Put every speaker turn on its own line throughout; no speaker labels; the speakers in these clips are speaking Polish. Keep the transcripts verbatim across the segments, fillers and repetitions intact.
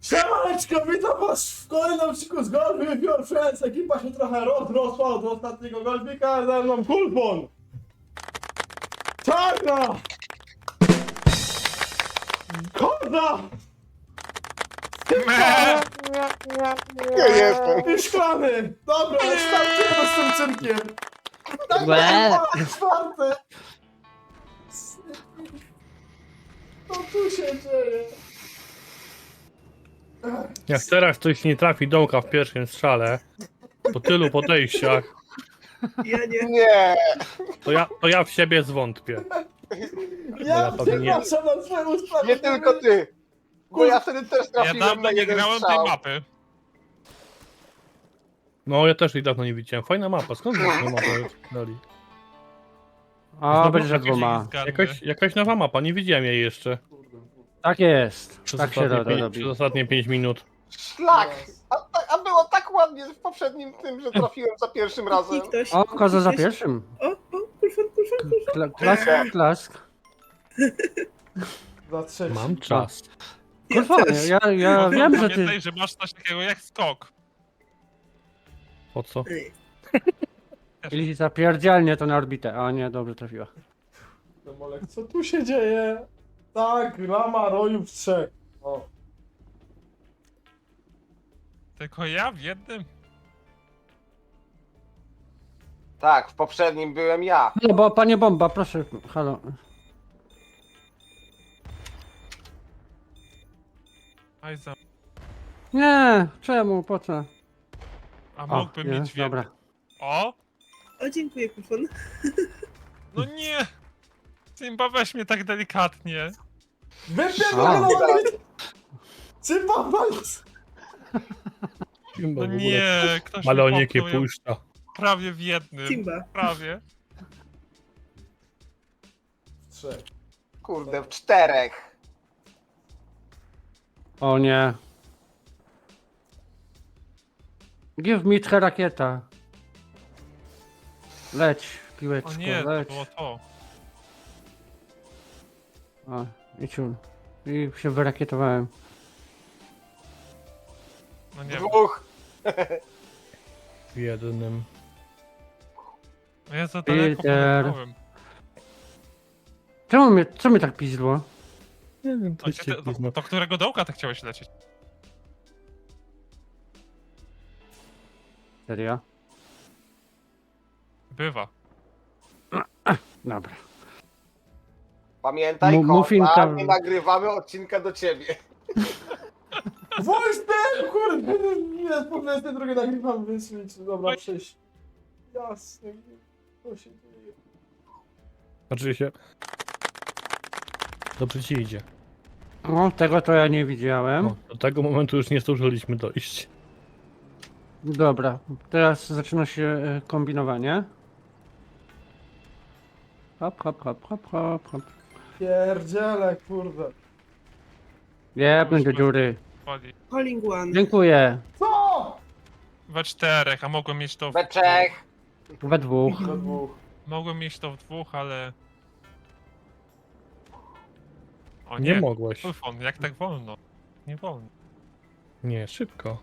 Siemaneczko, witam was w kolejnym odcinku z Golf with Your Friends. Ekipa się trochę rozrosła od ostatniego golfika, ze mną Kulfon, Czarna, Koza,
Ja jestem.
i Szklany. Dobra, ale starczymy z tym cyrkiem. Tak,
Łe.
tak, czwarty. Co tu się dzieje?
Jak teraz ktoś nie trafi dołka w pierwszym strzale, po tylu podejściach,
Ja nie.
Nie.
to ja, to ja w siebie zwątpię.
Ja
ja pewnie nie.
przepraszam na twoje
Nie
usprawiedliwienie.
tylko ty. Bo ja wtedy też
Ja
trafiłem na
dawno nie
jeden
grałem tej
strzał.
mapy.
No ja też jej dawno nie widziałem. Fajna mapa, skąd tę mapę dali?
O,
Znowu
będzie
Jakieś
dwoma.
zgarny.
Jakaś, jakaś nowa mapa, nie widziałem jej jeszcze.
Tak jest.
Przez,
Tak się
ostatnie,
robi.
pięć,
robi.
przez ostatnie pięć minut.
Szlak. A, ta- a było tak ładnie w poprzednim tym, że trafiłem za pierwszym razem.
I ktoś.
O, koza za
Ktoś-
pierwszym.
O, o, kulfon, kulfon, kulfon.
Kla klask, klask.
Za trzeci.
Mam czas.
Kurwa, ja, ja
No,
wiem, że ty...
Pamiętaj, że masz coś takiego jak skok.
Po co?
Ej,
Ili zapierdzielnie to na orbitę. A nie, dobrze trafiła.
Demolek, co tu się dzieje? Tak, lama rojów trzech. O.
Tylko ja w jednym.
Tak, w poprzednim byłem ja.
No bo, panie bomba, proszę, halo.
Aj za...
Nie, czemu, po co?
A
O,
mógłbym
nie,
mieć w jednym.
dobra.
O!
o, dziękuję, kulfon.
No nie! Simba, weź mnie tak delikatnie.
Wypierdolę! Cypa walc!
No nie, ktoś
Ale
mnie
niekie
popchnął, ja
puszcza.
prawie w jednym.
Simba.
Prawie.
Trzech.
Kurde, w czterech.
O nie. Give me tchę rakieta. Leć, piłeczko,
O nie, to
leć.
było to.
O, i ciul. I się wyrakietowałem.
No nie wiem.
Dwóch.
W jednym.
No ja za daleko
Peter.
poleciałem.
Czemu mnie, co mnie tak pizdło?
Nie wiem,
A gdzie ty- do, do którego dołka ty chciałeś lecieć?
Serio?
Bywa.
Dobra.
Pamiętaj,
Mu-
koza,
muffinka.
nie nagrywamy odcinka do ciebie.
Wojstem! Kurde! Jest po dwudziestej drugiej nagrywam, więc więc dobra, przejść. Jasne. Co się dzieje?
Znaczy się... Dobrze ci idzie.
O, tego to ja nie widziałem.
No, do tego momentu już nie zdążyliśmy dojść.
Dobra, teraz zaczyna się e, kombinowanie. Hop, hop, hop, hop, hop, hop.
Pierdziele, kurde.
Jebnę do dziury.
Wali.
Calling one.
Dziękuję.
Co?
We czterech, a mogłem mieć to w...
We trzech.
We dwóch.
Do dwóch.
Mogłem mieć to w dwóch, ale... O
Nie
nie,
mogłeś.
Kulfon, jak tak wolno? Nie wolno.
Nie, szybko.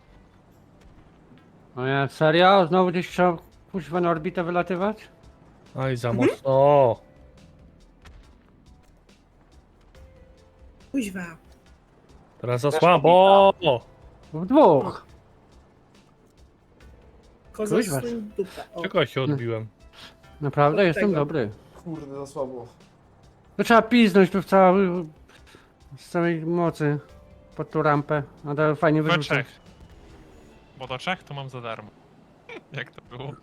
O nie, serio? Znowu gdzieś trzeba kuźwa na orbitę wylatywać?
Aj, za mocno.
Kuźwa.
Teraz za
Też
słabo.
W dwóch.
Koza
Kuźwa.
z swoim dupa. O,
Czego się odbiłem?
Naprawdę,
Od
jestem
tego.
dobry.
Kurde, za słabo.
To trzeba piznąć tu w cały... z całej mocy. Pod tą rampę. A to fajnie
We
wyrzucę.
trzech. Bo do trzech to mam za darmo. Jak to było?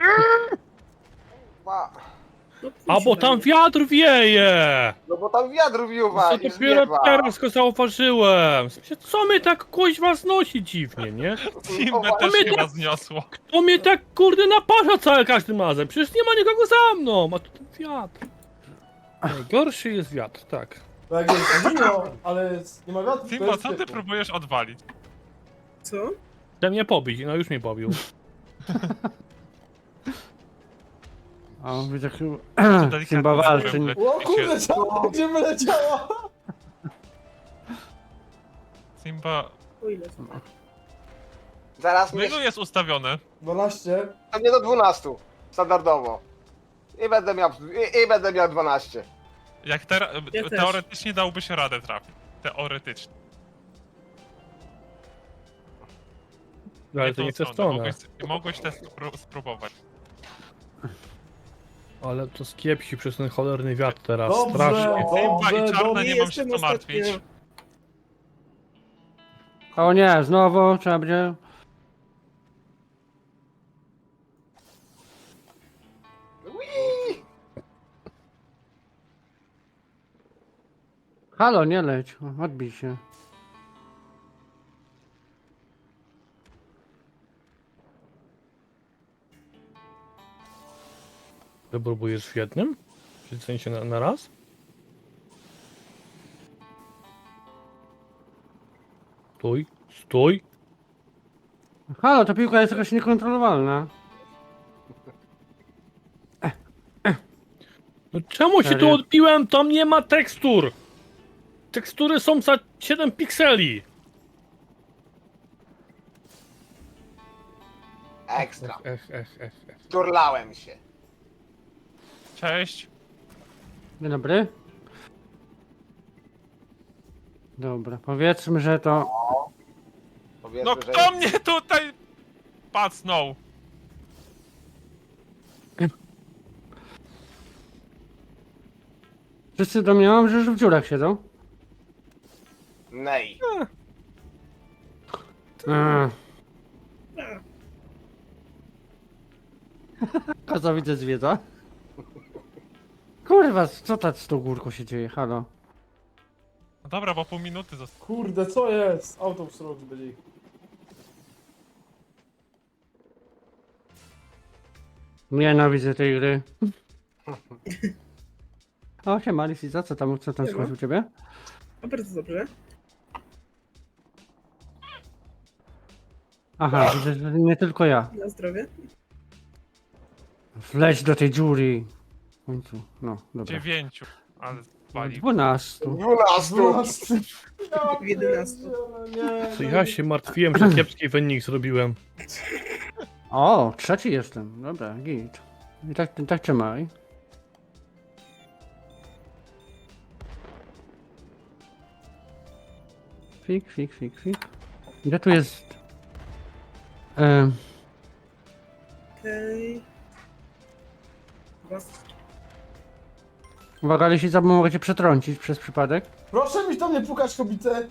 Ma.
no
A bo
kuźwa.
tam wiatr wieje!
No bo tam wiatr wiuwa
Co
i
dopiero
zwiewa.
teraz go zauważyłem. Co mnie tak kuźwa znosi dziwnie, nie?
Simbę
O,
też
my
chyba
to-
zniosło.
To mnie tak kurde naparza cały każdym razem. Przecież nie ma nikogo za mną, a tu ten wiatr. Najgorszy jest wiatr, tak.
To jak jest zimno, ale jest- nie ma wiatru, to
Simba,
jest
co ty
ciepło.
próbujesz odwalić?
Co?
Chce mnie pobić, no już mnie pobił.
O, widzę chyba...
delikatnie
Simba walczy.
zrobię.
O kurde, czemu gdzie wyleciała?
Simba,
O ile są?
Zaraz
No
mnie...
ilu jest ustawione?
dwanaście.
A mnie do dwunastu. Standardowo. I będę miał... I, i będę miał dwanaście.
Jak te,
Ja też.
teoretycznie dałby się radę trafić. Teoretycznie.
Ale to
tą
nie tę
stronę.
stronę.
Mogłeś, mogłeś też spró- spróbować.
Ale to skiepsi przez ten cholerny wiatr teraz.
Dobrze,
Strasznie.
Simba i
dobrze,
Czarna
dobrze.
nie mam się co martwić.
O nie, znowu trzeba będzie...
Ui!
Halo, nie leć, odbij się.
Ty próbujesz w jednym? Czy w sensie na, na raz? Stój, stój.
Halo, ta piłka jest jakaś niekontrolowalna.
No czemu się tu
Serio?
odbiłem? Tam nie ma tekstur. Tekstury są za siedem pikseli.
Ekstra.
Ech, ech, ech, ech.
Turlałem się.
Cześć.
Dzień dobry. Dobra, powiedzmy, że to...
Powiedzmy,
No
że
kto mnie tutaj pacnął?
Wszyscy domniemam, że już w dziurach siedzą.
Nej.
Eee. Koza widzę zwiedza. Kurwa, co tak z tą górką się dzieje? Halo.
No dobra, bo pół minuty zostało.
Kurde, co jest? Autobus road byli.
Nienawidzę tej gry. O, siema, Lisica, co tam, co tam słychać u ciebie?
A bardzo dobrze.
Aha, widzę, że nie tylko ja.
Na zdrowie.
Wleć do tej dziury. W końcu, no, dobra.
Dziewięciu. Ale wali.
Dwunastu.
Dwunastu.
dwanaście.
W jedenastu.
Nie,
Co ja się martwiłem, że kiepski wynik zrobiłem.
O, trzeci jestem. Dobra, git. I tak, tak trzymaj. Fik, fik, fik, fik. Gdzie tu jest... Em,
Okej. Okay.
uwaga, jeśli za mogę cię przetrącić przez przypadek.
Proszę mi tam nie pukać, kobietę.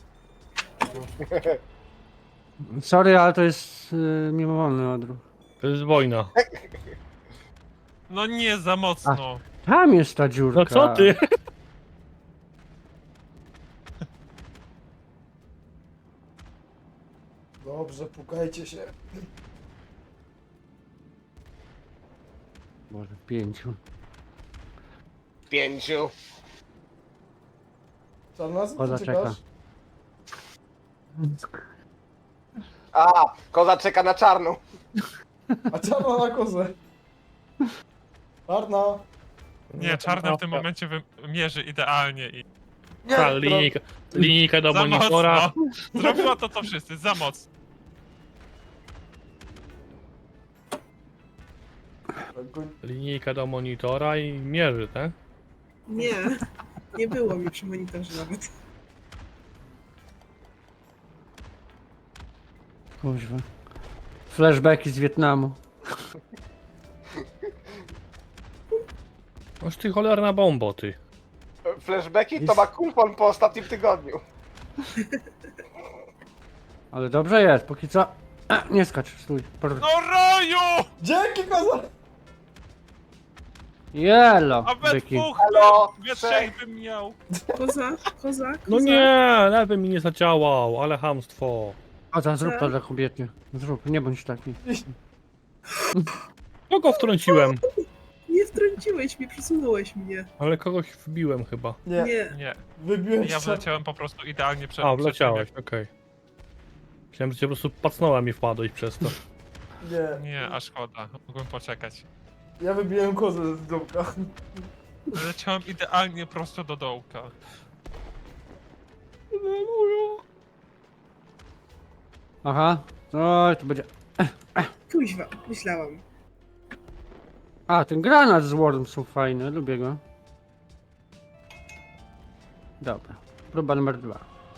Sorry, ale to jest y, mimowolny odruch.
To jest wojna.
No nie, za mocno.
Tam jest ta dziurka.
No co ty?
Dobrze, pukajcie się.
Może pięciu.
Pięciu.
Co nas?
Koza
Ty
czeka.
czekasz?
A, koza czeka na czarną.
A czarna na kozę. Czarna.
Nie, czarna w tym momencie mierzy idealnie i
Ta linijka, linijka do
za
monitora.
mocno. Zrobiła to co wszyscy, za mocno.
Linijka do monitora i mierzy, tak?
Nie. Nie było mi przy monitorze nawet.
Kuźwa. Flashbacki z Wietnamu.
Oż ty cholerna bombo, ty.
Flashbacki to ma kulpon po ostatnim tygodniu.
Ale dobrze jest, póki co... A, nie skacz, stój. Por...
No roju!
Dzięki, koza!
Jelo,
A we
byki.
dwóch,
Halo,
we
trzech.
trzech bym miał.
Koza, koza, koza.
No nie, lewy mi nie zadziałał, ale chamstwo.
Koza, zrób to dla kobiety. Zrób, nie bądź taki.
Kogo wtrąciłem?
Nie wtrąciłeś mnie, przesunąłeś mnie.
Ale kogoś wbiłem chyba.
Nie,
Nie.
Nie,
wybiłem
ja
się.
wleciałem po prostu idealnie przed
A,
przed
wleciałeś, okej. Myślałem, że cię po prostu pacnąłem i wpadłeś przez to.
Nie,
tym. Nie, a szkoda, mogłem poczekać.
ja wybiłem kozę z domka.
Leciałem idealnie prosto do dołka.
Aha. Oj, to będzie...
Kuźwa, myślałam.
A, ten granat z Worm są fajne, lubię go. Dobra, próba numer dwa.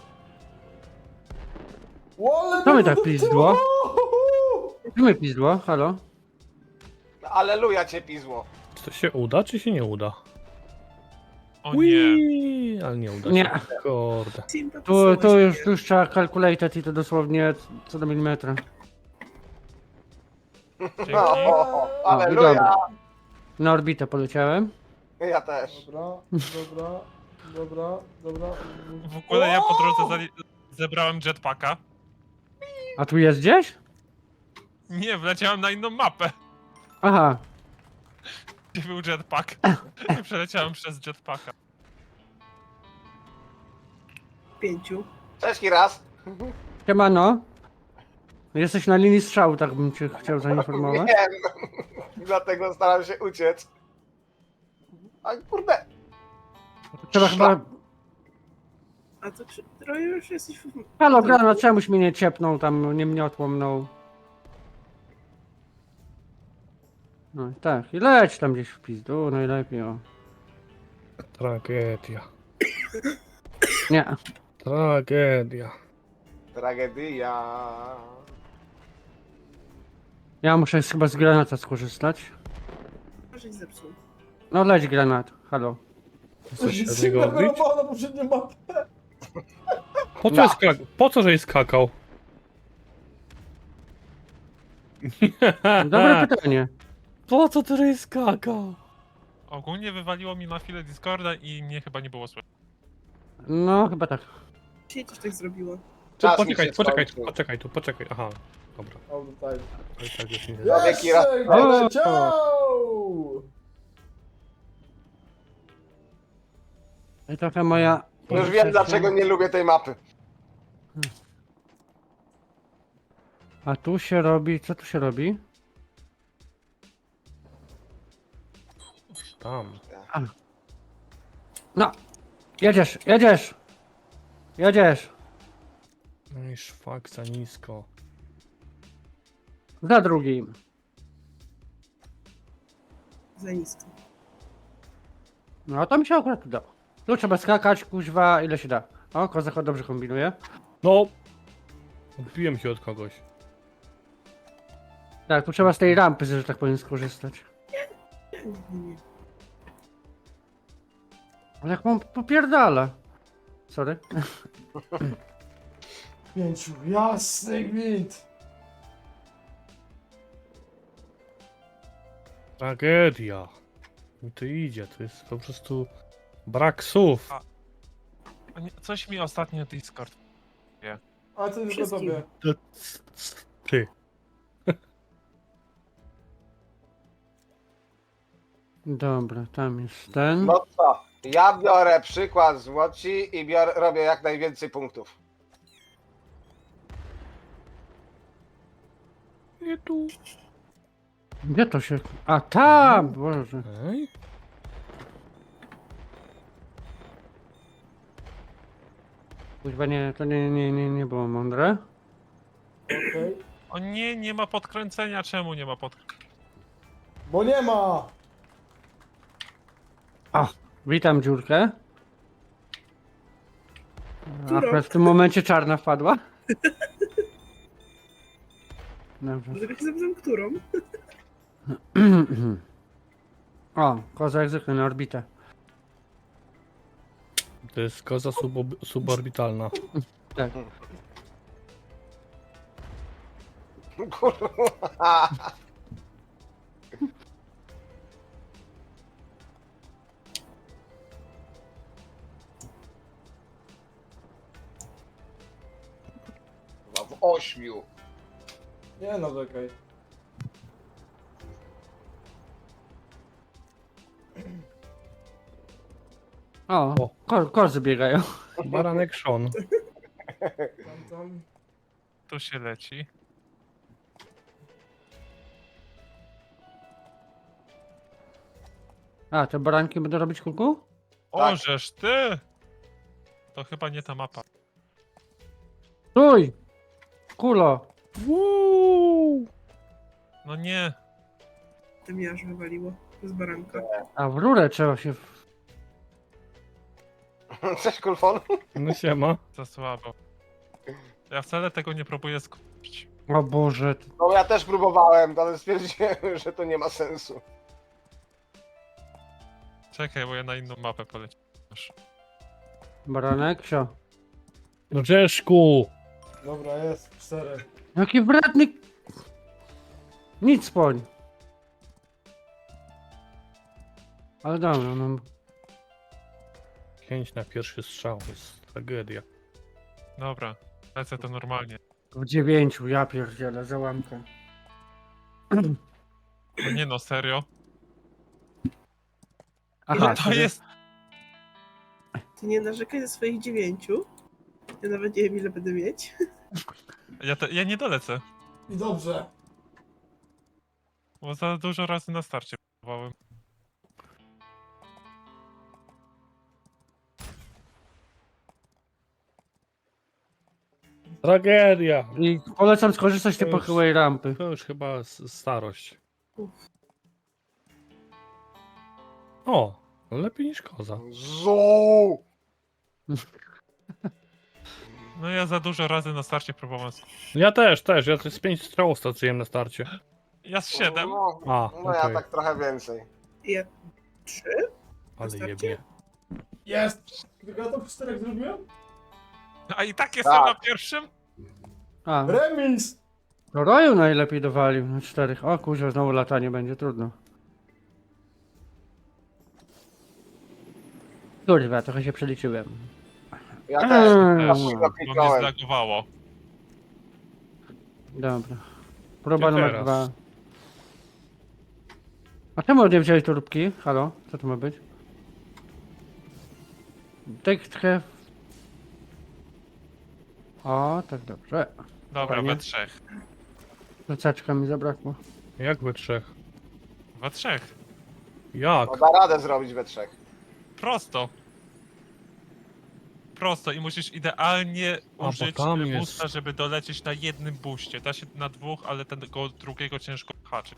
Łole,
Co mnie
no
tak
to-
pizdło? Co mnie pizdło? Halo?
Aleluja cię pizło.
Czy to się uda, czy się nie uda?
O nie.
Ui, ale nie uda się.
Nie.
Kurde.
Simpa
Tu,
posyła
tu
się,
już,
nie?
tu już trzeba calculated i to dosłownie co do milimetra.
Dzięki.
No,
O,
aleluja.
dobra. Na orbitę poleciałem.
Ja też.
Dobra, dobra, dobra, dobra.
W ogóle ja po drodze zali- zebrałem jetpacka.
A tu jest gdzieś?
Nie, wleciałem na inną mapę,
Aha.
gdzie był jetpack. I przeleciałem przez jetpacka.
Pięciu.
Cześć raz.
Siemano. Jesteś na linii strzału, tak bym cię chciał zainformować.
Wiem. Dlatego staram się uciec. A kurde.
Trzeba chyba...
A to czy trochę już jesteś w...
Halo, granat, czemuś mnie nie ciepnął tam, nie miotło mną. No i tak, i leć tam gdzieś w pizdu, najlepiej o.
Tragedia.
Nie.
Tragedia.
Tragedia.
Ja muszę chyba z granata skorzystać.
Żeś zepsuł.
No leć granat, halo.
Coś się od
Simba
niego odbić?
wyrobała na poprzednią mapę.
Po co,
No.
jest skak- po co, żeś skakał?
Dobre pytanie.
Po co ty żeś skakał?
Ogólnie wywaliło mi na chwilę Discorda i mnie chyba nie było słychać.
No, chyba tak.
Dzisiaj też tak zrobiło.
Tu,
Czas mi
poczekaj,
się
poczekaj,
skończył.
poczekaj, tu, poczekaj. Aha, dobra.
All the time.
To i tak już nie
Ja- Wieki raz-
Jeszcze
O!
leciał!
I trochę moja...
Już wiem dlaczego nie lubię tej mapy.
A tu się robi, co tu się robi?
Tam.
No! Jedziesz, jedziesz! Jedziesz!
No i szwak za nisko.
Za drugim.
Za nisko.
No to mi się akurat udało. Tu trzeba skakać, kuźwa, ile się da. O, kozak dobrze kombinuje.
No! Odbiłem się od kogoś.
Tak, tu trzeba z tej rampy, że tak powiem, skorzystać.
Nie, nie.
Ale jak mam popierdala. Sorry.
Pięciu, jasny gwint.
Tragedia. Mi to idzie, to jest po prostu brak słów.
A nie- Coś mi ostatnio Discord.
A co jest
Wszystkim.
sobie?
To c- c- Ty.
Dobra, tam jest ten.
No co? Ja biorę przykład z Łoci i biorę, robię jak najwięcej punktów.
Nie tu.
Gdzie to się... A tam! Boże.
Ej?
Kuźwa, nie, to nie, nie, nie, nie było mądre.
Okej.
O nie, nie ma podkręcenia. Czemu nie ma podkręcenia?
Bo nie ma!
O, witam dziurkę.
Dziurok.
Akurat w tym momencie czarna wpadła. Dobrze.
Dlatego się zapytam, którą?
O, koza jak zwykle na orbitę.
To jest koza subob- suborbitalna.
Tak.
Kurwa. W ośmiu.
Nie no, czekaj.
O,
O.
ko kozy biegają.
Baranek Sean.
Tam, tam.
Tu się leci.
A, te baranki będą robić kuku?
O,
Tak.
żeż ty! To chyba nie ta mapa.
Stój! Kulo.
Uuu.
No nie.
To mnie aż wywaliło z baranka.
A w rurę trzeba się... w-
Cześć, Kulfon.
No siema.
Za słabo. Ja wcale tego nie próbuję skupić.
O Boże.
No ja też próbowałem, ale stwierdziłem, że to nie ma sensu.
Czekaj, bo ja na inną mapę poleciałem.
Baranek, sio.
No Czeszku.
Dobra, jest, cztery.
Jaki wredny... Nic poń. Ale dobra, no...
Pięć na pierwszy strzał, to jest tragedia.
Dobra, lecę to normalnie.
W dziewięciu, ja pierdzielę, załamkę.
No nie no, serio.
Aha,
To
sobie-
jest...
Ty nie narzekaj ze swoich dziewięciu. Ja nawet nie wiem, ile będę mieć.
Ja, te... ja nie dolecę,
I dobrze.
bo za dużo razy na starcie próbowałem.
Tragedia.
I polecam skorzystać z tej
To już-
pochyłej rampy.
To już chyba s- starość.
Uff.
O, lepiej niż koza.
Zu!
No ja za dużo razy na starcie próbowałem.
Ja też, też. Ja z pięć strzałów straciłem na starcie.
Ja z siedem.
No,
A,
no ja
okej.
tak trochę więcej.
Ja trzy?
Ale
starcie?
jebnie.
Jest! Tylko ja to w czterech zrobiłem?
A i tak jestem
Tak.
na pierwszym?
A,
Remis!
to Roju najlepiej dowalił na czterech. O kurczę, znowu latanie będzie trudno. Kurwa, trochę się przeliczyłem.
Ja
Eee.
też.
Mm.
Aż się
Bo mnie
napiknąłem.
zlagowało.
Dobra. Próba
Gdzie
numer
teraz?
dwa. A czemu nie wziąłeś torbki? Halo? Co to ma być? Tak trochę... O, tak dobrze.
Dobra,
Fajnie.
we trzech.
Plecaczka mi zabrakło.
Jak we trzech?
We trzech.
Jak?
No da radę zrobić we trzech.
Prosto. Prosto i musisz idealnie
bo
użyć
tam
e,
jest-
boosta, żeby dolecieć na jednym booście. Da się na dwóch, ale tego drugiego ciężko haczy.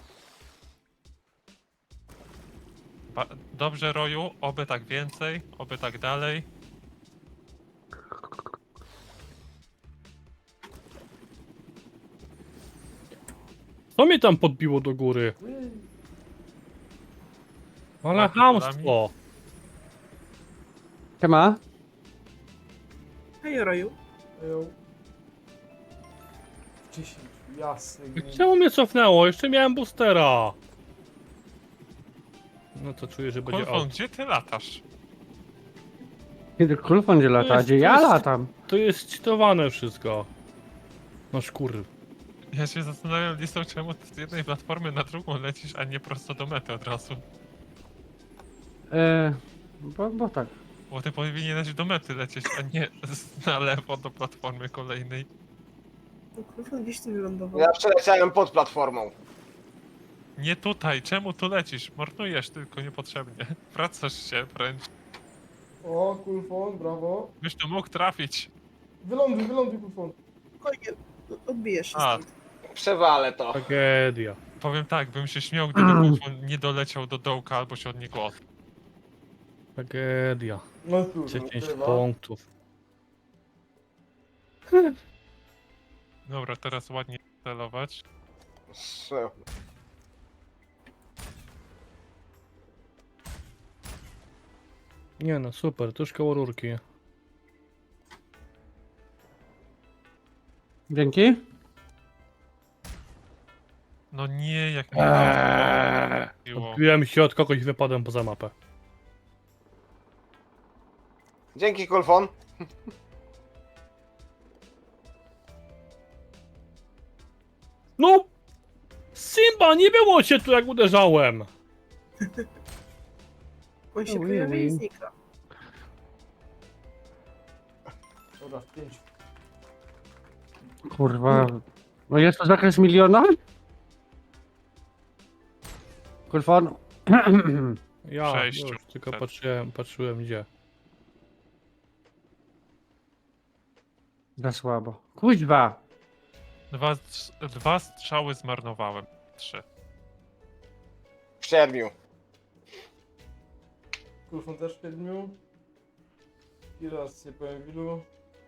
Ba Dobrze, Roju, oby tak więcej, oby tak dalej.
Co mnie tam podbiło do góry? Ale
Ładnie
chamstwo.
Siema?
Hej, Roju.
Ją. dziesięć, jasny. gwint.
Czemu mnie cofnęło? Jeszcze miałem boostera. No to czuję, że będzie
Kulfon,
out.
gdzie ty latasz?
Kiedy Kulfon gdzie lata?
jest-
Gdzie
to
ja
jest-
latam?
To jest cheatowane wszystko. No szkur.
Ja się zastanawiam, Listo, czemu ty z jednej platformy na drugą lecisz, a nie prosto do mety od razu.
E, bo, bo tak.
Bo ty powinieneś do mety lecieć, a nie z- na lewo do platformy kolejnej.
No, Krufon gdzieś tu wylądował.
Ja przeleciałem pod platformą.
Nie tutaj, czemu tu lecisz? Marnujesz tylko niepotrzebnie. Wracasz się wręcz.
O, Kulfon, brawo.
Byś tu mógł trafić.
Wyląduj, wyląduj, Kulfon.
Spokojnie, odbijesz się
A.
stąd.
Przewalę to.
Tragedia.
Powiem tak, bym się śmiał, gdyby Kulfon nie doleciał do dołka albo się od niego od...
Tragedia.
No cóż,
dziesięć
chyba.
punktów.
Dobra, teraz ładnie celować.
Strzel.
Nie no, super, tuż koło rurki.
Dzięki.
No nie, jak mnie
Eee,
to
Odbiłem się od kogoś i wypadłem poza mapę.
Dzięki, Kulfon.
No! Simba, nie było cię tu jak uderzałem!
On się
Ui,
pojawia
ui.
i znika.
Dobra, pięć.
Kurwa. No jest to zakres miliona? Kulfon.
Ja
Sześciu.
już tylko
Tak.
patrzyłem, patrzyłem gdzie.
Za słabo. Kuźwa.
Dwa, strz- dwa strzały zmarnowałem. Trzy.
W siedmiu.
Kulfon też w siedmiu. I raz nie powiem w ilu.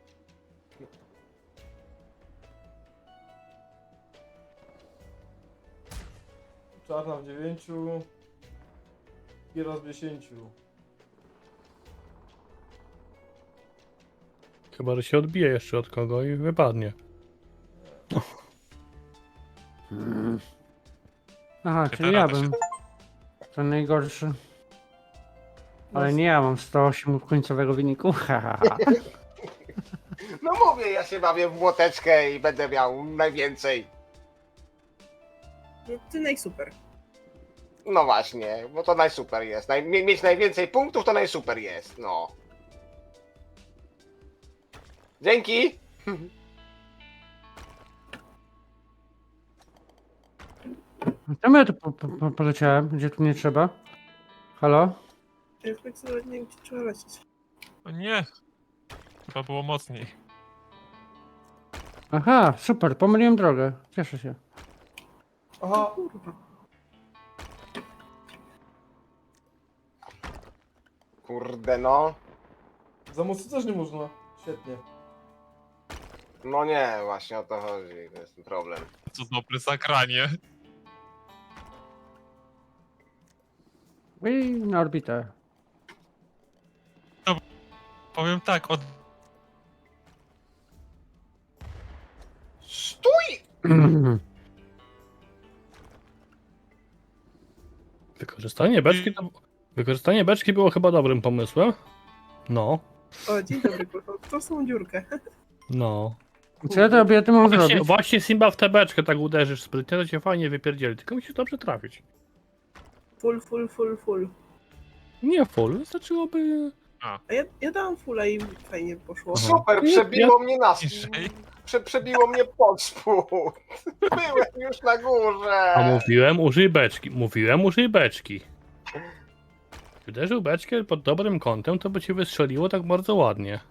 Czarna w dziewięciu. I raz w dziesięciu.
Chyba, że się odbije jeszcze od kogo i wypadnie.
Mm. Aha,
Nie
czyli
da
ja
rady się-
bym. To najgorszy. Ale
No,
nie ja mam sto osiem końcowego wyniku. Haha.
No mówię, ja się bawię w młoteczkę i będę miał najwięcej.
No, ty najsuper.
No właśnie, bo to najsuper jest. Naj, mie- mieć najwięcej punktów to najsuper jest, no. Dzięki!
Czemu ja tu po, po, po, poleciałem? Gdzie tu nie trzeba? Halo?
Ja tak sobie nie wiem, gdzie trzeba lecieć.
O nie! Chyba było mocniej.
Aha, super, pomyliłem drogę. Cieszę się.
aha,
Kurwa.
Kurde no.
za mocno też nie można. Świetnie.
No nie, właśnie o to chodzi, to jest ten problem.
Co dobre zagranie.
I na orbitę.
Powiem tak, od...
Stój!
Wykorzystanie beczki to... Wykorzystanie beczki było chyba dobrym pomysłem. No,
O, dzień dobry, kurwa. W tą samą dziurkę.
no.
Co ja to obiety mam
Właśnie,
zrobić?
właśnie Simba w tę beczkę tak uderzysz sprytnie, to cię fajnie wypierdzieli, tylko musisz dobrze trafić.
Full, full, full, full.
Nie full, wystarczyłoby...
A ja, ja dałam fulla i fajnie poszło.
Aha.
Super, przebiło mnie na
Niżej.
Prze, przebiło mnie pod spód. Byłem już na górze.
A mówiłem użyj beczki, mówiłem użyj beczki. Uderzył beczkę pod dobrym kątem, to by ci wystrzeliło tak bardzo ładnie.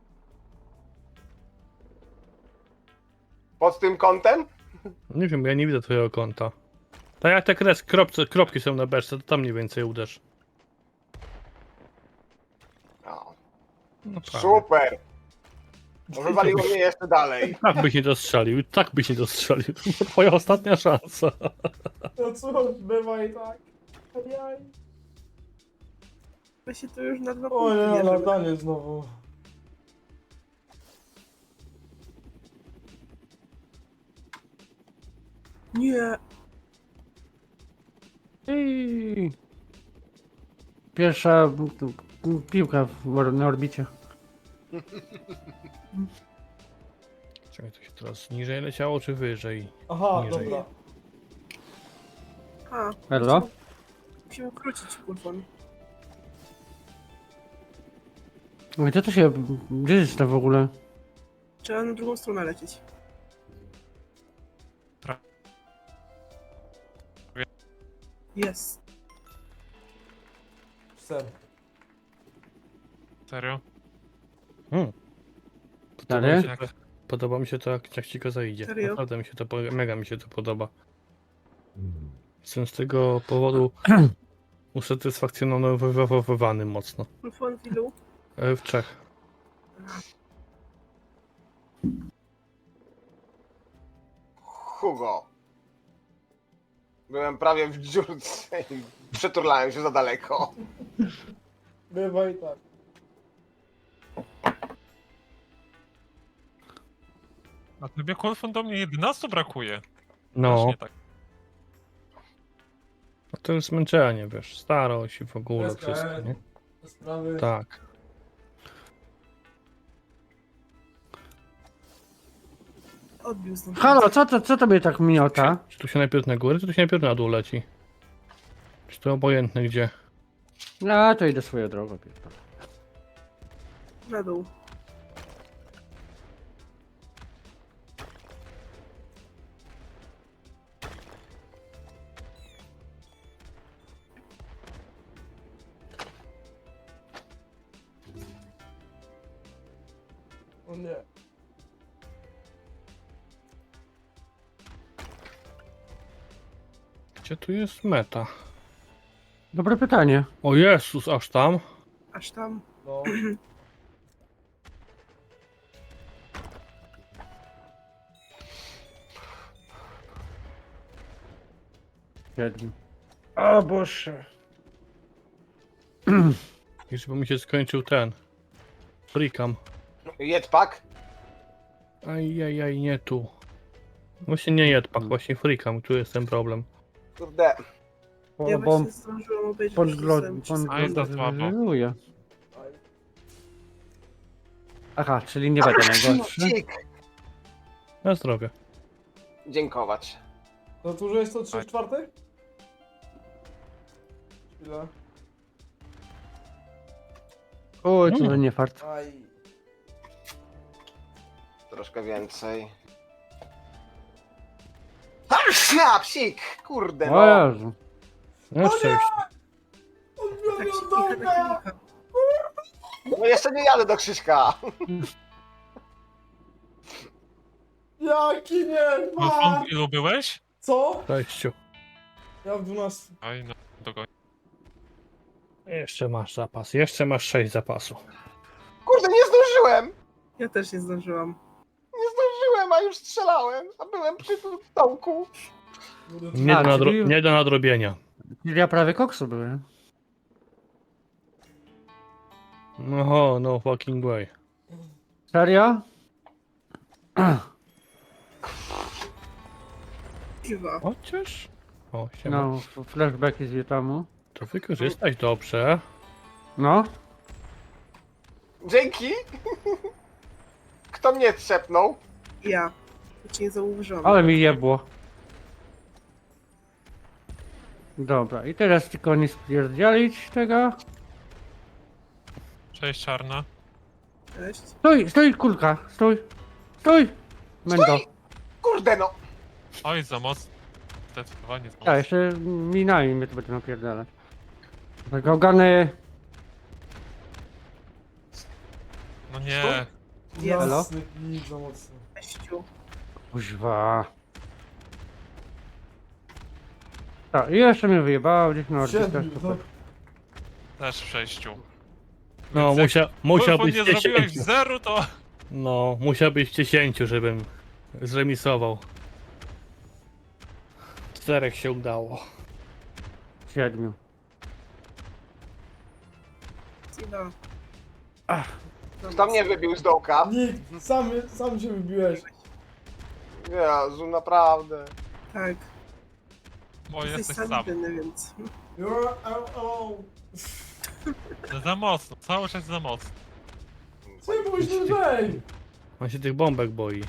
Pod tym kątem?
Nie wiem, ja nie widzę twojego kąta. Tak jak te kres, kropce, kropki są na beczce, to tam mniej więcej uderz.
No,
No prawie.
super. No, wywaliło mnie jeszcze dalej.
Tak byś nie dostrzelił, tak byś nie dostrzelił. To była twoja ostatnia szansa.
No cóż, bywa i tak. Ajaj.
My się tu już na dwa
O
punkty
nie,
bierzemy.
latanie znowu.
Nie.
I... Pierwsza m, m, piłka w, or- na orbicie.
Czekaj, to się teraz niżej leciało, czy wyżej?
Aha,
Niżej.
dobra.
A,
Hello?
musimy, musimy wrócić, kurwa.
Gdzie to się... Gdzie jest to w ogóle?
Trzeba na drugą stronę lecieć.
Tra-
Jest.
Ser.
Serio?
Hmm.
Dalej?
mi się to, podoba mi się to, jak, jak ci go zajdzie.
Serio?
Naprawdę mi się to, po- mega mi się to podoba. Jestem z tego powodu usatysfakcjonowany mocno.
Kulfon w ilu?
E, W Czech.
Hugo. Byłem prawie w dziurce i przeturlałem się za daleko.
Bywa i tak.
Na tobie Kolfon do mnie jedenastu brakuje.
No,
Strasznie tak.
a to jest zmęczenie, wiesz, starość i w ogóle
Bez
wszystko,
K S.
nie?
Te sprawy.
Tak.
Odbił znowu.
Halo, co to, co tobie tak miota?
Czy tu się najpierw na górę, czy tu się najpierw na dół leci? Czy to obojętne gdzie?
A, to idę swoją drogą. pierdolę.
Na dół.
O nie.
Gdzie tu jest meta?
Dobre pytanie.
O Jezus, aż tam.
Aż tam.
No.
Siedmiu. O Boże.
Już by mi się skończył ten. Frikam.
Jetpack?
Ajajaj, nie tu. Właśnie nie jedpak, właśnie frikam, tu jest ten problem.
Kurde.
Ja
O, bo
właśnie zdążyłam obejrzeć
pan
przez
glod,
ten trzy
pan
A jest
sekundy.
za słabo.
gloduje. Aha, czyli nie będę najgorszy.
Cik.
Na zdrowie.
Dziękować.
To tu, że jest to trzy czwarte? Chwila.
Oj, to
Mm.
nie fart.
Aj.
Troszkę więcej. Ha, psik! Kurde
O
no.
Jezu.
Na szczęście.
Odbiorę
Tak się
od
kicha,
dołka!
tak kicha.
No jeszcze nie jadę do Krzyśka.
Jaki nie
No,
ma!
w ilu byłeś?
Co?
Sześciu.
Ja w dwunastu.
Oj, no, dogoń.
Jeszcze masz zapas, jeszcze masz sześć zapasu.
Kurde, nie zdążyłem!
Ja też nie zdążyłam.
Nie zdążyłem, a już strzelałem. A byłem przy tym stołku.
Nie,
A,
do, nadro-
czyli-
nie do nadrobienia.
Czyli ja prawie koksu byłem.
No, no fucking way.
Serio?
Kiwa.
Chociaż... O, siema.
No, flashbacki z Wietnamu.
To wykorzystać dobrze.
No,
Dzięki. Kto mnie trzepnął?
Ja. To cię nie zauważyłam.
ale mi jebło. Dobra, i teraz tylko nie spierdzielić tego.
Cześć, czarna.
Cześć.
Stój, stój, kulka, stój, stój! Mendo.
Kurde no.
Oj, za mocno. Zdecydowanie za
Ja,
mocno.
jeszcze minami mnie to będę napierdalać. Gałgany.
No nie.
Jest.
Jasny, nic za mocno.
Sześciu.
Kuźwa. Tak, i jeszcze mnie wyjebało gdzieś na orbitę.
Siedmiu, no.
Też w sześciu.
No,
Więc jak
musia, musiał
Wolfo
być
nie zrobiłeś
dziesięciu.
zeru, to...
No, musiał być dziesięciu, żebym zremisował. Czterech się udało.
Siedmiu.
Kiwa.
Kto mnie wybił z dołka?
Nikt, sam, sam się wybiłeś.
Jezu, naprawdę.
Tak.
Bo
Jesteś
jesteś
sam
sam.
winny, więc...
You're alone.
Za mocno, cały czas za mocno.
Co nie mówisz lżej?
On się tych bombek boi.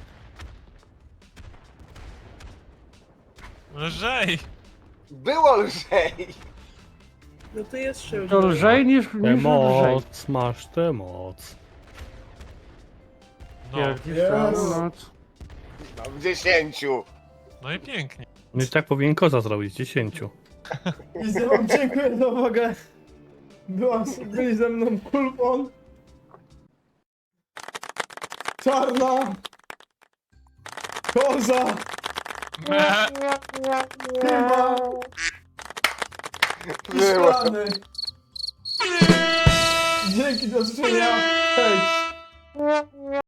Lżej!
Było lżej.
No to jest szybko.
To lżej niż,
Tę
niż lżej.
moc, masz tę moc.
No,
Pierdzisz
Yes.
całą noc.
No, w dziesięciu.
no i pięknie.
No i tak powinien koza zrobić, dziesięciu.
I wam dziękuję za uwagę. Była, byli ze mną Kulpon. Czarna. Koza.
Me.
Chyba. I
Było.
szklany. Dzięki, do zobaczenia. Hej.